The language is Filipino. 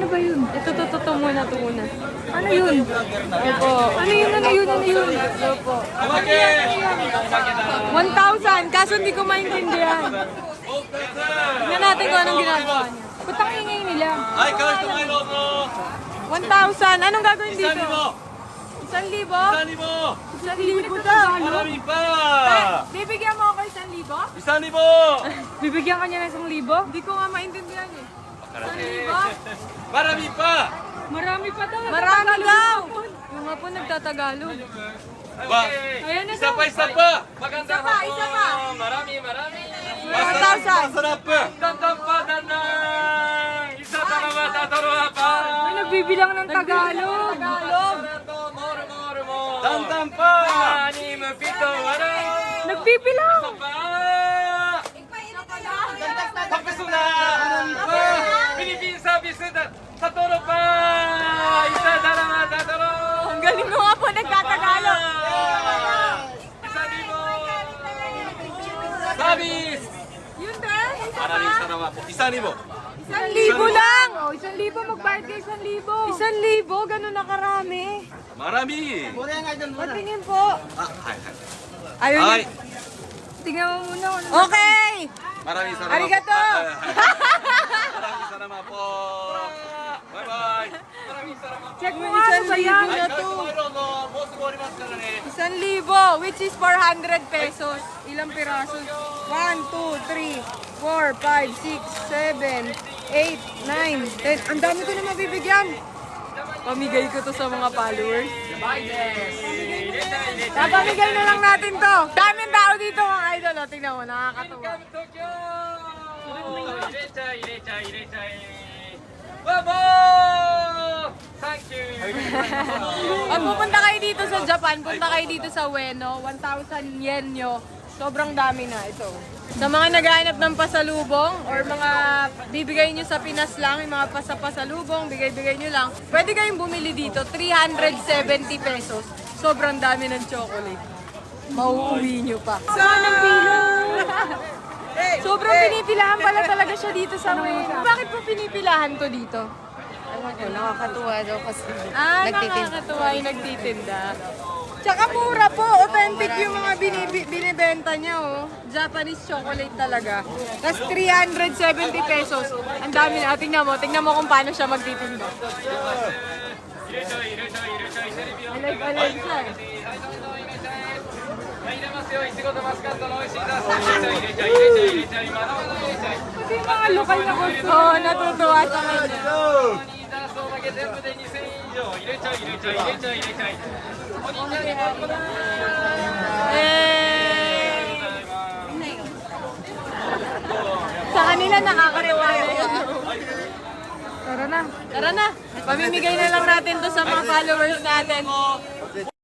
ba yun? Ito muna, ito muna. Ano yun? Opo. Ano yun? Ito po. 1,000, kaso hindi ko maintindihan. Tingnan natin kung anong ginagawa niya. Putang ingay nila. Ay, guys, tumayo mo! 1,000, anong gagawin dito? 1,000! 1,000? 1,000! 1,000 daw. Marami pa! Bibigyan mo ako 1,000? 1,000! Bibigyan ka niya ng 1,000? Hindi ko nga maintindihan eh. 1,000? Marami pa! Marami pa daw. Marami daw. Yung nga po nagtatagalog. Ba, Ayan na isa daw. pa! Magandang Isa pa, isa pa. Marami! 1,000. Masarap! Gandang pa, danang! Isa dalawa, tatarawa pa! May nagbibilang ng Tagalog. Dandan pa! Anim, pito, wala! Nagbibilang. Pa! Tapos na! Philippine service sa toro pa! Isa, dalawa, tataro! Ang galing mo nga po nagtatagalog. Isa libo! Service! Yun din. Maraming salamat po. Isa libo! 1,000 lang. O, 1,000. Magbayad kayo 1,000. 1,000? Ganun na karami. Marami! Patingin po. Hi. Ayun. Hi! Tingnan mo muna. Okay. Maraming salamat Arigato! po. Maraming salamat po. Bye-bye! Maraming salamat po. Check mo nga ano ba yan? Ay, guys, tomorrow no, boss mo rin mas karane. 1,000, which is 400 pesos. Ilang piraso? 1, 2, 3, 4, 5, 6, 7, 8, 9, 10. Ang dami ko na mabibigyan. Pamigay ko to sa mga followers. Napamigay na lang natin to. Daming tao dito mga idol. O, tingnan mo, nakakatuwa. Tokyo! Irechay. Bravo! Thank you! Pag pupunta kayo dito sa Japan, punta kayo dito sa Ueno, 1,000 yen nyo. Sobrang dami na ito. Sa mga naghahanap ng pasalubong or mga bibigay nyo sa Pinas lang, yung mga pasalubong, bigay nyo lang, pwede kayong bumili dito, 370 pesos. Sobrang dami ng chocolate. Mauuwi nyo pa. Saan ang pilo? Sobrang pinipilahan pala talaga siya dito sa Ueno. Bakit po pinipilahan to dito? Ewan ko, nakakatuwa daw kasi nagtitinda. Nakakatuwa yung nagtitinda. Tsaka mura po, authentic yung mga binibenta niya, oh. Japanese chocolate talaga. Tapos 370 pesos. Ang dami na. Tingnan mo kung paano siya magtitinda. Alive siya eh. Pati yung mga lokal na gusto, natutuwa sa kanya. Sa kanila nakakariwa na yun. Tara na. Pamimigay na lang natin to sa mga followers natin.